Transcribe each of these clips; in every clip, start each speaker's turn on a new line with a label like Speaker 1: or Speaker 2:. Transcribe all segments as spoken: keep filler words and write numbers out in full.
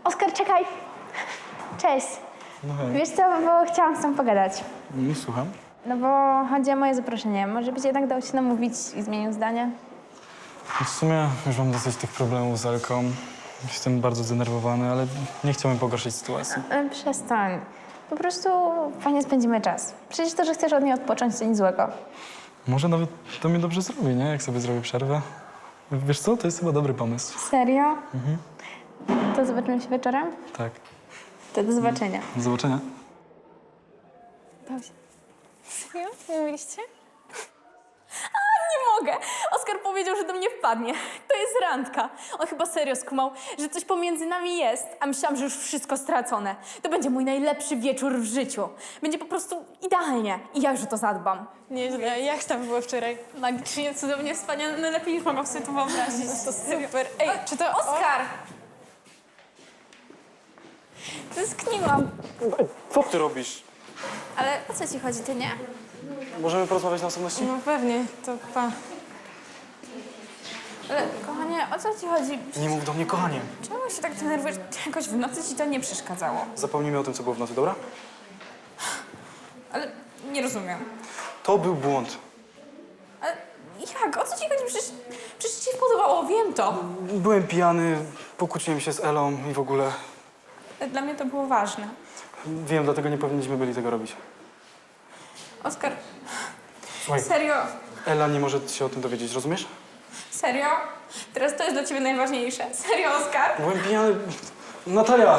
Speaker 1: Oskar, czekaj. Cześć.
Speaker 2: No hej.
Speaker 1: Wiesz co, bo chciałam z tobą pogadać.
Speaker 2: Nie słucham.
Speaker 1: No bo chodzi o moje zaproszenie. Może byś jednak dał się namówić i zmienił zdanie?
Speaker 2: W sumie już mam dosyć tych problemów z Elką. Jestem bardzo zdenerwowany, ale nie chciałbym pogorszyć sytuacji.
Speaker 1: E, Przestań. Po prostu fajnie spędzimy czas. Przecież to, że chcesz od niej odpocząć, to nic złego.
Speaker 2: Może nawet to mi dobrze zrobi, nie? Jak sobie zrobię przerwę. Wiesz co? To jest chyba dobry pomysł.
Speaker 1: Serio? Mhm. To zobaczymy się wieczorem?
Speaker 2: Tak.
Speaker 1: To do zobaczenia.
Speaker 2: Do zobaczenia.
Speaker 1: Pauzie.
Speaker 3: Serio? Mówiliście? A, nie mogę! Oskar powiedział, że do mnie wpadnie. To jest randka. On chyba serio skumał, że coś pomiędzy nami jest, a myślałam, że już wszystko stracone. To będzie mój najlepszy wieczór w życiu. Będzie po prostu idealnie i ja już o to zadbam.
Speaker 4: Nieźle. Jak tam było wczoraj?
Speaker 3: Magicznie, cudownie, wspaniale, najlepiej niż mogłam sobie to wyobrazić.
Speaker 4: To super. Ej, czy to...
Speaker 3: Oskar! Tęskniłam.
Speaker 2: Co ty robisz?
Speaker 3: Ale o co ci chodzi, ty nie?
Speaker 2: Możemy porozmawiać na osobności?
Speaker 4: No pewnie, to pa.
Speaker 3: Ale kochanie, o co ci chodzi?
Speaker 2: Nie mów do mnie, kochanie.
Speaker 3: Czemu się tak denerwujesz? Jakoś w nocy ci to nie przeszkadzało.
Speaker 2: Zapomnijmy o tym, co było w nocy, dobra?
Speaker 3: Ale nie rozumiem.
Speaker 2: To był błąd.
Speaker 3: Ale jak? O co ci chodzi? Przecież, przecież ci podobało, wiem to.
Speaker 2: Byłem pijany, pokłóciłem się z Elą i w ogóle...
Speaker 3: Ale dla mnie to było ważne.
Speaker 2: Wiem, dlatego nie powinniśmy byli tego robić.
Speaker 3: Oskar,
Speaker 2: Słuchaj,
Speaker 3: serio?
Speaker 2: Ela nie może się o tym dowiedzieć, rozumiesz?
Speaker 3: Serio? Teraz to jest dla ciebie najważniejsze. Serio, Oskar?
Speaker 2: Byłem pijany... Natalia!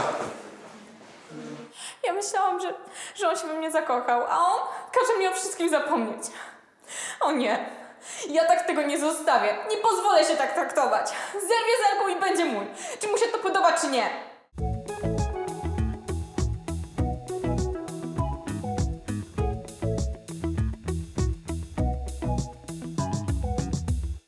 Speaker 3: Ja myślałam, że, że on się we mnie zakochał, a on każe mi o wszystkim zapomnieć. O nie, ja tak tego nie zostawię. Nie pozwolę się tak traktować. Zerwie z Elką i będzie mój. Czy mu się to podoba, czy nie.